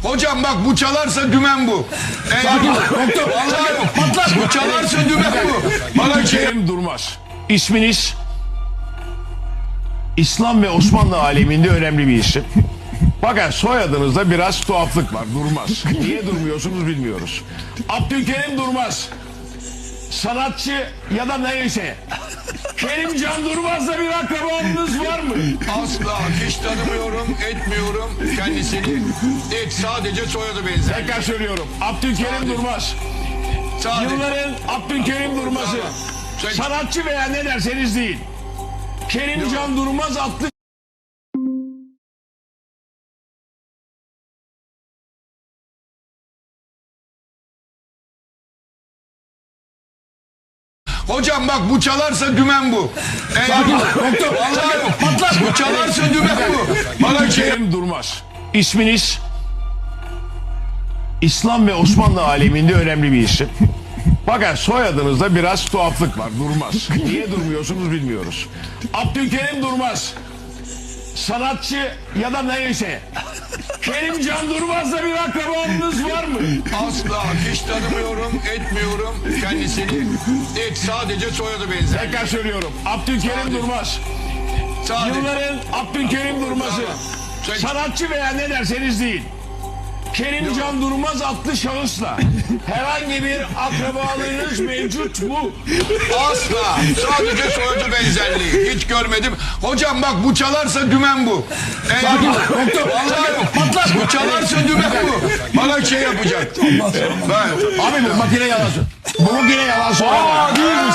Hocam bak bu çalarsa dümen bu. Vallahi patlar. Bu çalarsa dümen bu. Bana Kerim Durmaz. İsminiz İslam ve Osmanlı aleminde önemli bir isim. Fakat soyadınızda biraz tuhaflık var. Durmaz. Niye durmuyorsunuz bilmiyoruz. Abdülkerim Durmaz. Sanatçı ya da neyse. Kerimcan Durmaz'la bir akrabalığınız var mı? asla hiç tanımıyorum, etmiyorum kendisini. Sadece soyadı benzer. Tekrar söylüyorum. Abdülkerim Durmaz. Sadece. Yılların Abdülkerim Durmaz'ı. Sanatçı veya ne derseniz değil. Kerimcan Durmaz adlı Hocam bak bu çalarsa dümen bu. Vallahi patlar. Bu çalarsa dümen bu. Bana Kerim Durmaz. İsminiz İslam ve Osmanlı aleminde önemli bir isim. Fakat soyadınızda biraz tuhaflık var. Durmaz. Niye durmuyorsunuz bilmiyoruz. Abdülkerim Durmaz. Sanatçı ya da neyse. Kerimcan Durmaz'la bir akrabalığınız var mı? asla hiç tanımıyorum, etmiyorum kendisini. Sadece soyadı benzer. Tekrar söylüyorum. Abdülkerim Durmaz. Sadece. Yılların Abdülkerim Durmaz'ı. Sanatçı veya ne derseniz değil. Kerimcan Durmaz adlı şahısla herhangi bir akrabalığınız mevcut mu? Asla. Sadece soyadı benzerliği. Hiç görmedim. Hocam bak bu çalarsa dümen bu. Vallahi patlar. Bu çalarsa dümen bu. Bana şey yapacak. Ben. Abi bu makine yalan söylüyor. Bu makine yalan söylüyor.